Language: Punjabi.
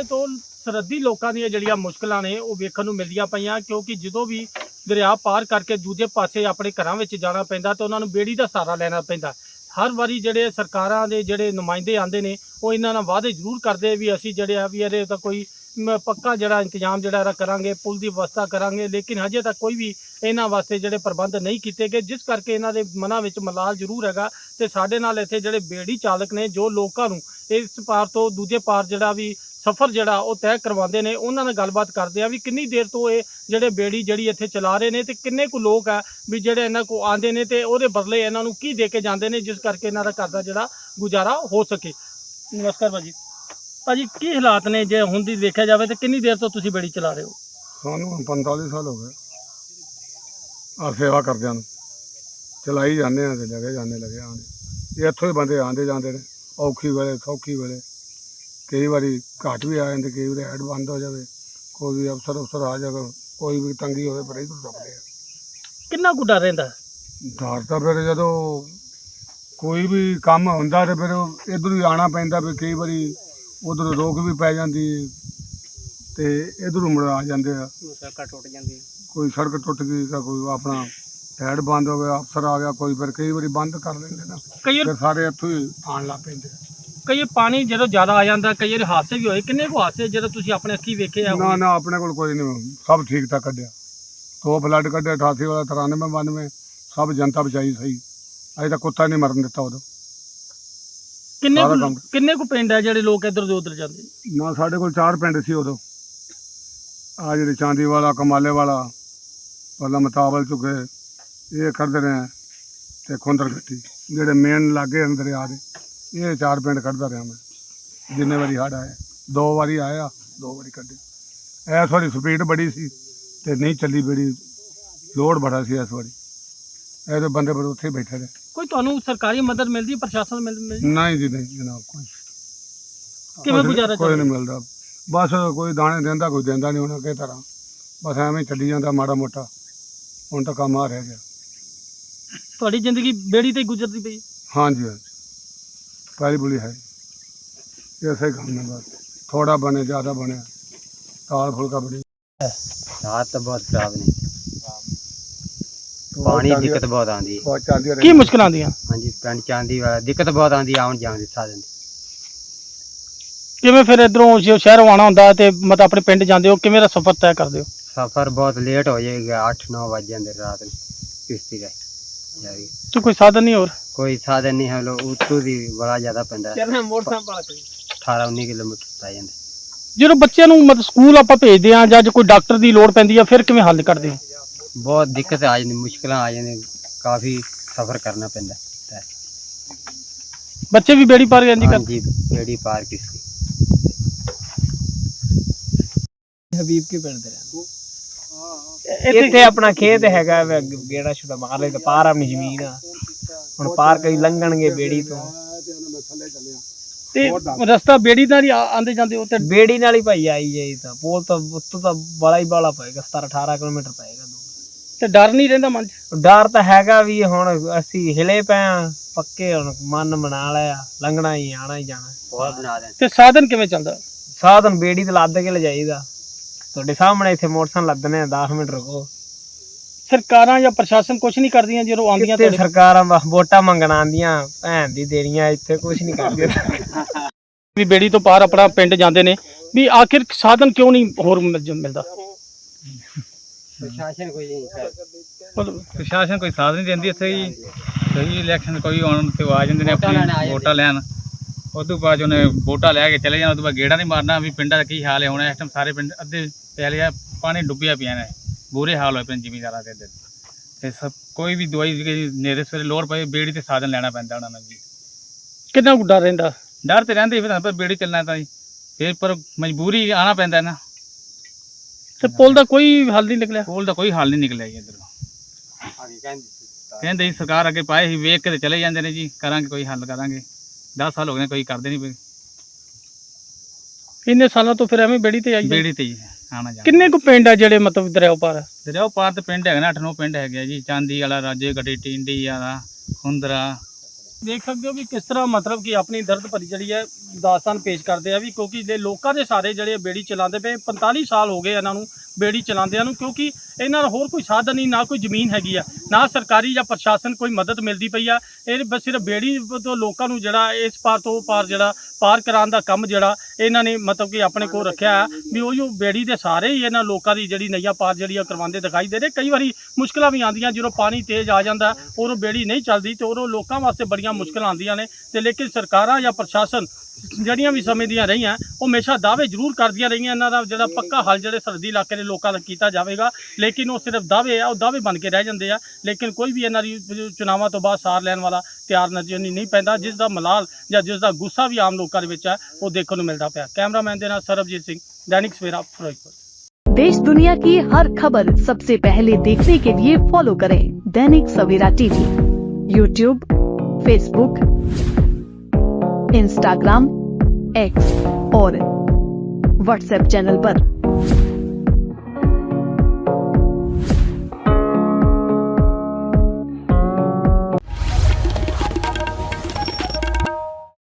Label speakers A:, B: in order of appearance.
A: ਤੋਂ ਸਰਹੱਦੀ ਲੋਕਾਂ ਦੀਆਂ ਜਿਹੜੀਆਂ ਮੁਸ਼ਕਲਾਂ ਨੇ ਉਹ ਵੇਖਣ ਨੂੰ ਮਿਲਦੀਆਂ ਪਈਆਂ, ਕਿਉਂਕਿ ਜਦੋਂ ਵੀ ਦਰਿਆ ਪਾਰ ਕਰਕੇ ਦੂਜੇ ਪਾਸੇ ਆਪਣੇ ਘਰਾਂ ਵਿੱਚ ਜਾਣਾ ਪੈਂਦਾ ਤਾਂ ਉਹਨਾਂ ਨੂੰ ਬੇੜੀ ਦਾ ਸਹਾਰਾ ਲੈਣਾ ਪੈਂਦਾ। ਹਰ ਵਾਰੀ ਜਿਹੜੇ ਸਰਕਾਰਾਂ ਦੇ ਜਿਹੜੇ ਨੁਮਾਇੰਦੇ ਆਉਂਦੇ ਨੇ ਉਹ ਇਹਨਾਂ ਨਾਲ ਵਾਅਦੇ ਜ਼ਰੂਰ ਕਰਦੇ ਵੀ ਅਸੀਂ ਜਿਹੜੇ ਆ ਵੀ ਇਹਦੇ ਤਾਂ ਕੋਈ ਪੱਕਾ ਜਿਹੜਾ ਇੰਤਜ਼ਾਮ ਜਿਹੜਾ ਕਰਾਂਗੇ, ਪੁਲ ਦੀ ਵਿਵਸਥਾ ਕਰਾਂਗੇ, ਲੇਕਿਨ ਹਜੇ ਤੱਕ ਕੋਈ ਵੀ ਇਹਨਾਂ ਵਾਸਤੇ ਜਿਹੜੇ ਪ੍ਰਬੰਧ ਨਹੀਂ ਕੀਤੇ ਗਏ, ਜਿਸ ਕਰਕੇ ਇਹਨਾਂ ਦੇ ਮਨਾਂ ਵਿੱਚ ਮਲਾਲ ਜ਼ਰੂਰ ਹੈਗਾ। ਤੇ ਸਾਡੇ ਨਾਲ ਇੱਥੇ ਜਿਹੜੇ ਬੇੜੀ ਚਾਲਕ ਨੇ ਜੋ ਲੋਕਾਂ ਨੂੰ ਇਸ ਪਾਰ ਤੋਂ ਦੂਜੇ ਪਾਰ ਜਿਹੜਾ ਵੀ ਸਫ਼ਰ ਜਿਹੜਾ ਉਹ ਤੈਅ ਕਰਵਾਉਂਦੇ ਨੇ, ਉਹਨਾਂ ਨਾਲ ਗੱਲਬਾਤ ਕਰਦੇ ਆ ਵੀ ਕਿੰਨੀ ਦੇਰ ਤੋਂ ਇਹ ਜਿਹੜੇ ਬੇੜੀ ਜਿਹੜੀ ਇੱਥੇ ਚਲਾ ਰਹੇ ਨੇ ਤੇ ਕਿੰਨੇ ਕੁ ਲੋਕ ਆ ਵੀ ਜਿਹੜੇ ਇਹਨਾਂ ਕੋਲ ਆਉਂਦੇ ਨੇ ਤੇ ਉਹਦੇ ਬਦਲੇ ਇਹਨਾਂ ਨੂੰ ਕੀ ਦੇ ਕੇ ਜਾਂਦੇ ਨੇ, ਜਿਸ ਕਰਕੇ ਇਹਨਾਂ ਦਾ ਘਰ ਦਾ ਜਿਹੜਾ ਗੁਜ਼ਾਰਾ ਹੋ ਸਕੇ। ਨਮਸਕਾਰ ਭਾਜੀ, ਕੀ ਹਾਲਾਤ ਨੇ ਜੇ ਹੁਣ ਦੀ ਦੇਖਿਆ ਜਾਵੇ ਤੇ ਕਿੰਨੀ ਦੇਰ ਤੋਂ ਤੁਸੀਂ ਬੇੜੀ ਚਲਾ ਰਹੇ ਹੋ?
B: ਸਾਨੂੰ 45 ਸਾਲ ਹੋ ਗਏ ਆ ਸੇਵਾ ਕਰਦਿਆਂ ਨੂੰ, ਚਲਾਈ ਜਾਂਦੇ ਆ ਤੇ ਲੱਗੇ ਆਉਂਦੇ। ਇਹ ਇੱਥੋਂ ਹੀ ਬੰਦੇ ਆਉਂਦੇ ਜਾਂਦੇ ਨੇ, ਔਖੀ ਵੇਲੇ ਸੌਖੀ ਵੇਲੇ। ਕਈ ਵਾਰੀ ਘਾਟ ਵੀ ਆ ਜਾਂਦੇ, ਕਈ ਵਾਰੀ ਹੈਡ ਬੰਦ ਹੋ ਜਾਵੇ, ਕੋਈ ਵੀ ਅਫਸਰ ਆ ਜਾਵੇ, ਕੋਈ ਵੀ ਤੰਗੀ ਹੋਵੇ, ਪਰ ਇੱਧਰ ਦੱਬਦੇ ਆ।
A: ਕਿੰਨਾ ਕੁ ਡਰ ਰਹਿੰਦਾ?
B: ਡਰ ਤਾਂ ਫਿਰ ਜਦੋਂ ਕੋਈ ਵੀ ਕੰਮ ਹੁੰਦਾ ਤੇ ਫਿਰ ਇੱਧਰ ਹੀ ਆਉਣਾ ਪੈਂਦਾ। ਵੀ ਕਈ ਵਾਰੀ ਉਧਰ ਰੋਕ ਵੀ ਪੈ ਜਾਂਦੀ ਤੇ ਇੱਧਰੋਂ ਮੁੜ ਆ ਜਾਂਦੇ ਆ,
A: ਸੜਕਾਂ ਟੁੱਟ ਜਾਂਦੀਆਂ,
B: ਕੋਈ ਸੜਕ ਟੁੱਟ ਗਈ ਤਾਂ ਕੋਈ ਆਪਣਾ ਹੈਡ ਬੰਦ ਹੋ ਗਿਆ, ਅਫਸਰ ਆ ਗਿਆ ਕੋਈ, ਫਿਰ ਕਈ ਵਾਰੀ ਬੰਦ ਕਰ ਲੈਂਦੇ ਨਾ, ਫਿਰ ਸਾਰੇ ਇੱਥੋਂ ਹੀ ਆਉਣ ਲੱਗ ਪੈਂਦੇ।
A: ਕਈ ਪਾਣੀ ਜਦੋਂ ਜ਼ਿਆਦਾ ਆ ਜਾਂਦਾ, ਕਈ ਵਾਰ ਹਾਦਸੇ ਵੀ ਹੋਏ। ਕਿੰਨੇ ਕੁ ਹਾਦਸੇ ਜਦੋਂ ਤੁਸੀਂ ਆਪਣੇ ਅੱਖੀਂ ਵੇਖੇ ਆ?
B: ਨਾ ਆਪਣੇ ਕੋਲ ਕੋਈ ਨਹੀਂ, ਸਭ ਠੀਕ ਠਾਕ ਕੱਢਿਆ। 2 ਫਲੱਡ ਕੱਢੇ, 88 ਵਾਲਾ, 93, 92, ਸਭ ਜਨਤਾ ਬਚਾਈ ਸਹੀ। ਅਜੇ ਤਾਂ ਕੁੱਤਾ ਨਹੀਂ ਮਰਨ ਦਿੱਤਾ ਉਦੋਂ।
A: ਕਿੰਨੇ ਕੁ ਪਿੰਡ ਆ ਜਿਹੜੇ ਲੋਕ ਇੱਧਰ ਤੋਂ ਉੱਧਰ ਜਾਂਦੇ?
B: ਨਾ ਸਾਡੇ ਕੋਲ 4 ਪਿੰਡ ਸੀ ਉਦੋਂ। ਆ ਜਿਹੜੇ ਚਾਂਦੀ ਵਾਲਾ, ਕਮਾਲੇ ਵਾਲਾ, ਪਹਿਲਾਂ ਮਤਾਬਲ ਚੁੱਕੇ, ਇਹ ਕਰਦੇ ਰਹੇ ਤੇ ਖੁੰਦਰ ਗੱਟੀ, ਜਿਹੜੇ ਮੇਨ ਲਾਗੇ ਅੰਦਰ ਆ ਦੇ, ਇਹ 4 ਪਿੰਡ ਕੱਢਦਾ ਰਿਹਾ ਮੈਂ ਜਿੰਨੇ ਵਾਰੀ ਹੜ੍ਹ ਆਏ। 2 ਵਾਰੀ ਆਇਆ, 2 ਵਾਰੀ ਕੱਢੇ। ਇਸ ਵਾਰੀ ਸਪੀਡ ਬੜੀ ਸੀ ਤੇ ਨਹੀਂ ਚੱਲੀ ਬੇੜੀ, ਲੋਡ ਬੜਾ ਸੀ ਇਸ ਵਾਰੀ। ਇਹਦੇ ਬੰਦੇ ਪਰ ਉੱਥੇ ਹੀ ਬੈਠੇ ਰਹੇ।
A: ਕੋਈ ਤੁਹਾਨੂੰ ਸਰਕਾਰੀ ਮਦਦ ਮਿਲਦੀ, ਪ੍ਰਸ਼ਾਸਨ ਮਿਲਦੀ?
B: ਨਹੀਂ ਜੀ, ਨਹੀਂ ਜਨਾਬ,
A: ਕਿਵੇਂ ਗੁਜ਼ਾਰਾ
B: ਕੋਈ ਨਹੀਂ ਮਿਲਦਾ। ਬਸ ਕੋਈ ਦਾਣੇ ਦਿੰਦਾ, ਕੋਈ ਦਿੰਦਾ ਨਹੀਂ ਉਹਨਾਂ ਕਿਸੇ ਤਰ੍ਹਾਂ, ਬਸ ਐਵੇਂ ਚੱਲੀ ਜਾਂਦਾ ਮਾੜਾ ਮੋਟਾ। ਹੁਣ ਤਾਂ ਕੰਮ ਆ ਰਹਿ ਗਿਆ।
A: ਤੁਹਾਡੀ ਜ਼ਿੰਦਗੀ ਬੇੜੀ ਤੇ ਗੁਜ਼ਰਦੀ ਪਈ?
B: ਹਾਂਜੀ ਹਾਂਜੀ, ਪਹਿਲੀ ਬੁਲੀ ਹੈ ऐसे काम में, बस थोड़ा बने ज़्यादा बने, दाल फुल्का बड़ी।
C: हाथ तो बहुत खराब नहीं, पानी दिक्कत बहुत आती है।
A: की मुश्किल आती है?
C: हाँ जी, पिंड चांदी वाला दिक्कत बहुत आती है आउन जान दी साधन दी।
A: किवें फिर इधरों शहरों आना हुंदा ते मतलब अपने पिंड जांदे हो, किवें दा सफर तय करदे हो?
C: सफर बहुत लेट हो जाएगा, 8-9 बज जाते रात में किश्ती का जाएगी।
A: तो कोई साधन नहीं? और
C: कोई साधन नहीं है, लोग उतों दी बड़ा ज़्यादा पैंदा है, 18-19 किलोमीटर पै जांदा।
A: ਜਦੋਂ ਬੱਚਿਆਂ ਨੂੰ ਮਤਲਬ ਸਕੂਲ ਆਪਾਂ ਭੇਜਦੇ ਆ ਜਾਂ ਕੋਈ ਡਾਕਟਰ ਦੀ ਲੋੜ ਪੈਂਦੀ ਆ, ਫਿਰ ਕਿਵੇਂ ਹੱਲ ਕਰਦੇ ਹੋ?
C: बहुत दिक्कत आ जाती, मुश्किल आ जाती, काफ़ी सफ़र करना पैंदा है।
A: ਬੱਚੇ ਵੀ ਬੇੜੀ ਪਾਰ ਜਾਂਦੀ
C: हाँ जी, बेड़ी पार किश्ती।
D: ਹਬੀਬ ਕੇ ਪਿੰਡ ਦੇ ਰਹਿੰਦੇ ਇੱਥੇ ਆਪਣਾ ਖੇਤ ਹੈਗਾ, ਗੇੜਾ ਛੁੜਾ ਮਾਰ ਲੈ ਤੇ ਪਾਰ ਆਪਣੀ ਜ਼ਮੀਨ ਆ। ਹੁਣ ਪਾਰ ਕਈ ਲੰਘਣਗੇ ਬੇੜੀ ਤੋਂ,
A: ਤੇ ਰਸਤਾ ਬੇੜੀ ਨਾਲ ਹੀ ਆਂਦੇ ਜਾਂਦੇ ਹੋ? ਤੇ
D: ਬੇੜੀ ਨਾਲ ਹੀ ਭਾਈ ਆਈ ਜਾਈ ਤਾਂ ਪੋਲ ਤਾਂ ਉੱਤੋਂ ਤਾਂ ਬੜਾ ਹੀ ਬਾਲਾ ਪਏਗਾ, 17-18 ਕਿਲੋਮੀਟਰ ਪਏਗਾ ਦੂਰ।
A: ਤੇ ਡਰ ਨਹੀਂ ਰਹਿੰਦਾ ਮਨ 'ਚ?
D: ਡਰ ਤਾਂ ਹੈਗਾ ਵੀ, ਹੁਣ ਅਸੀਂ ਹਿਲੇ ਪਏ ਆ ਪੱਕੇ, ਹੁਣ ਮਨ ਬਣਾ ਲਿਆ ਲੰਘਣਾ ਹੀ, ਆਣਾ ਹੀ ਜਾਣਾ।
C: बहुत बना दें।
A: ਤੇ ਸਾਧਨ ਕਿਵੇਂ ਚੱਲਦਾ?
D: ਸਾਧਨ ਬੇੜੀ ਤੇ ਲੱਦ ਕੇ ਲਿਜਾਈਦਾ। ਤੁਹਾਡੇ ਸਾਹਮਣੇ ਇੱਥੇ ਮੋਟਰਸਾਈਕਲ ਲੱਦਨੇ ਆ, 10 ਮਿੰਟ ਰੁਕੋ।
A: ਸਰਕਾਰਾਂ ਜਾਂ ਪ੍ਰਸ਼ਾਸਨ ਕੁਝ ਨਹੀਂ ਕਰਦੀਆਂ ਜਦੋਂ ਆਉਂਦੀਆਂ?
D: ਤੇ ਸਰਕਾਰਾਂ ਵੋਟਾਂ ਮੰਗਣ ਆਉਂਦੀਆਂ, ਭੈਣ ਦੀ ਦੇਣੀਆਂ, ਇੱਥੇ ਕੁਝ ਨਹੀਂ ਕਰਦੀਆਂ।
A: ਵੀ ਬੇੜੀ ਤੋਂ ਪਾਰ ਆਪਣਾ ਪਿੰਡ ਜਾਂਦੇ ਨੇ, ਵੀ ਆਖਿਰ ਸਾਧਨ ਕਿਉਂ ਨਹੀਂ ਹੋਰ ਮਿਲਦਾ?
C: प्रशासन कोई
E: ਪ੍ਰਸ਼ਾਸਨ ਕੋਈ ਸਾਥ ਨਹੀਂ ਦਿੰਦੀ ਇੱਥੇ ਜੀ। ਕਈ ਇਲੈਕਸ਼ਨ ਕੋਈ ਆਉਣ ਤੇ ਆ ਜਾਂਦੇ ਨੇ ਆਪਣੀ ਵੋਟਾਂ ਲੈਣ, ਉਸ ਤੋਂ ਬਾਅਦ ਉਹਨੇ ਵੋਟਾਂ ਲੈ ਕੇ ਚਲੇ ਜਾਣਾ, ਉਸ ਤੋਂ ਬਾਅਦ ਗੇੜਾ ਨਹੀਂ ਮਾਰਨਾ ਵੀ ਪਿੰਡਾਂ ਦਾ ਕੀ ਹਾਲ ਹੈ। ਹੁਣ ਇਸ ਟਾਈਮ ਸਾਰੇ ਪਿੰਡ ਅੱਧੇ ਪਹਿਲੇ ਆ ਪਾਣੀ ਡੁੱਬਿਆ ਪਿਆ ਨੇ, ਬੁਰੇ ਹਾਲ ਹੋਏ ਪਏ ਜ਼ਿਮੀਂਦਾਰਾਂ ਦੇ ਇੱਧਰ। ਤੇ ਸਭ ਕੋਈ ਵੀ ਦਵਾਈ ਨੇਰੇ ਸਵੇਰੇ ਲੋੜ ਪਏ ਬੇੜੀ ਤੇ ਸਾਧਨ ਲੈਣਾ ਪੈਂਦਾ ਉਹਨਾਂ ਨੂੰ ਜੀ।
A: ਕਿੰਨਾ ਕੁ ਡਰ ਰਹਿੰਦਾ?
E: ਡਰ ਤੇ ਰਹਿੰਦੇ ਫਿਰ ਆਪਾਂ ਬੇੜੀ ਚੱਲਣਾ ਤਾਂ ਜੀ, ਫਿਰ ਪਰ ਮਜਬੂਰੀ ਆਉਣਾ ਪੈਂਦਾ ਨਾ।
A: ਤੇ ਪੁਲ ਦਾ ਕੋਈ ਹੱਲ ਨਹੀਂ ਨਿਕਲਿਆ?
E: ਪੁਲ ਦਾ ਕੋਈ ਹੱਲ ਨਹੀਂ ਨਿਕਲਿਆ ਜੀ ਇੱਧਰੋਂ। ਕਹਿੰਦੇ ਜੀ ਸਰਕਾਰ ਅੱਗੇ ਪਾਏ ਸੀ, ਵੇਖ ਕੇ ਤੇ ਚਲੇ ਜਾਂਦੇ ਨੇ ਜੀ, ਕਰਾਂਗੇ ਕੋਈ ਹੱਲ ਕਰਾਂਗੇ। 10 ਸਾਲ ਹੋ ਗਏ ਨੇ, ਕੋਈ ਕਰਦੇ ਨਹੀਂ ਪਏ।
A: ਇੰਨੇ ਸਾਲਾਂ ਤੋਂ ਫਿਰ ਐਵੇਂ ਬੇੜੀ ਤੇ ਆਈ?
E: ਬੇੜੀ ਤੇ ਹੀ ਆਣਾ ਜਾਣਾ।
A: ਕਿੰਨੇ ਕੁ ਪਿੰਡ ਆ ਜਿਹੜੇ ਮਤਲਬ ਦਰਿਆ ਪਾਰ?
E: ਦਰਿਆ ਪਾਰ ਤੇ ਪਿੰਡ ਹੈਗੇ ਨੇ, 8-9 ਪਿੰਡ ਹੈਗੇ ਆ ਜੀ। ਚਾਂਦੀ ਵਾਲਾ, ਰਾਜੇ ਗੜੀ, ਟਿੰਡੀ ਵਾਲਾ, ਖੁੰਦਰਾ,
A: ਦੇਖ ਸਕਦੇ ਹੋ ਵੀ ਕਿਸ ਤਰ੍ਹਾਂ ਮਤਲਬ ਕਿ ਆਪਣੀ ਦਰਦ ਭਰੀ ਜਿਹੜੀ ਹੈ ਦਾਸਤਾਨ ਪੇਸ਼ ਕਰਦੇ ਆ ਵੀ ਕਿਉਂਕਿ ਜੇ ਲੋਕਾਂ ਦੇ ਸਾਰੇ ਜਿਹੜੇ ਬੇੜੀ ਚਲਾਉਂਦੇ ਪਏ 45 ਸਾਲ ਹੋ ਗਏ ਇਹਨਾਂ ਨੂੰ ਬੇੜੀ ਚਲਾਉਂਦਿਆਂ ਨੂੰ, ਕਿਉਂਕਿ ਇਹਨਾਂ ਦਾ ਹੋਰ ਕੋਈ ਸਾਧਨ ਨਹੀਂ, ਨਾ ਕੋਈ ਜ਼ਮੀਨ ਹੈਗੀ ਆ, ਨਾ ਸਰਕਾਰੀ ਜਾਂ ਪ੍ਰਸ਼ਾਸਨ ਕੋਈ ਮਦਦ ਮਿਲਦੀ ਪਈ ਆ। ਇਹ ਬਸ ਸਿਰਫ ਬੇੜੀ ਤੋਂ ਲੋਕਾਂ ਨੂੰ ਜਿਹੜਾ ਇਸ ਪਾਰ ਤੋਂ ਉਹ ਪਾਰ ਜਿਹੜਾ ਪਾਰ ਕਰਾਉਣ ਦਾ ਕੰਮ ਜਿਹੜਾ ਇਹਨਾਂ ਨੇ ਮਤਲਬ ਕਿ ਆਪਣੇ ਕੋਲ ਰੱਖਿਆ ਵੀ ਉਹ ਬੇੜੀ ਦੇ ਸਾਰੇ ਹੀ ਇਹਨਾਂ ਲੋਕਾਂ ਦੀ ਜਿਹੜੀ ਨਈਆ ਪਾਰ ਜਿਹੜੀ ਆ ਕਰਵਾਉਂਦੇ ਦਿਖਾਈ ਦੇ ਰਹੇ। ਕਈ ਵਾਰੀ ਮੁਸ਼ਕਲਾਂ ਵੀ ਆਉਂਦੀਆਂ ਜਦੋਂ ਪਾਣੀ ਤੇਜ਼ ਆ ਜਾਂਦਾ ਔਰ ਉਹ ਬੇੜੀ ਨਹੀਂ ਚੱਲਦੀ ਤੇ ਉਹ ਲੋਕਾਂ ਵਾਸਤੇ ਬੜੀਆਂ ਮੁਸ਼ਕਲਾਂ ਆਉਂਦੀਆਂ ਨੇ ਤੇ ਲੇਕਿਨ ਸਰਕਾਰਾਂ ਜਾਂ ਪ੍ਰਸ਼ਾਸਨ ਜਿਹੜੀਆਂ ਵੀ ਸਮੇਂ ਦੀਆਂ ਰਹੀਆਂ ਉਹ ਹਮੇਸ਼ਾ ਦਾਅਵੇ ਜ਼ਰੂਰ ਕਰਦੀਆਂ ਰਹੀਆਂ ਇਹਨਾਂ ਦਾ ਜਿਹੜਾ ਪੱਕਾ ਹੱਲ ਜਿਹੜੇ ਸਰਹੱਦੀ ਇਲਾਕੇ ਦੇ ਲੋਕਾਂ ਦਾ ਕੀਤਾ ਜਾਵੇਗਾ, ਲੇਕਿਨ ਉਹ ਸਿਰਫ ਦਾਅਵੇ ਆ, ਉਹ ਦਾਅਵੇ ਬਣ ਕੇ ਰਹਿ ਜਾਂਦੇ ਆ। ਲੇਕਿਨ ਕੋਈ ਵੀ ਇਹਨਾਂ ਦੀ ਚੁਣਾਵਾਂ ਤੋਂ ਬਾਅਦ ਸਾਰ ਲੈਣ ਵਾਲਾ ਤਿਆਰ ਨਜ਼ਰ ਨਹੀਂ ਪੈਂਦਾ, ਜਿਸ ਦਾ ਮਲਾਲ ਜਾਂ ਜਿਸ ਦਾ ਗੁੱਸਾ ਵੀ ਆਮ ਲੋਕਾਂ ਦੇ ਵਿੱਚ ਹੈ ਉਹ ਦੇਖਣ ਨੂੰ ਮਿਲਦਾ ਪਿਆ। ਕੈਮਰਾਮੈਨ ਦੇ ਨਾਲ ਸਰਬਜੀਤ ਸਿੰਘ, दैनिक सवेरा फिरोजपुर।
F: देश दुनिया की हर खबर सबसे पहले देखने के लिए फॉलो करें Dainik Savera TV, YouTube, Facebook, Instagram, X और व्हाट्सएप चैनल पर।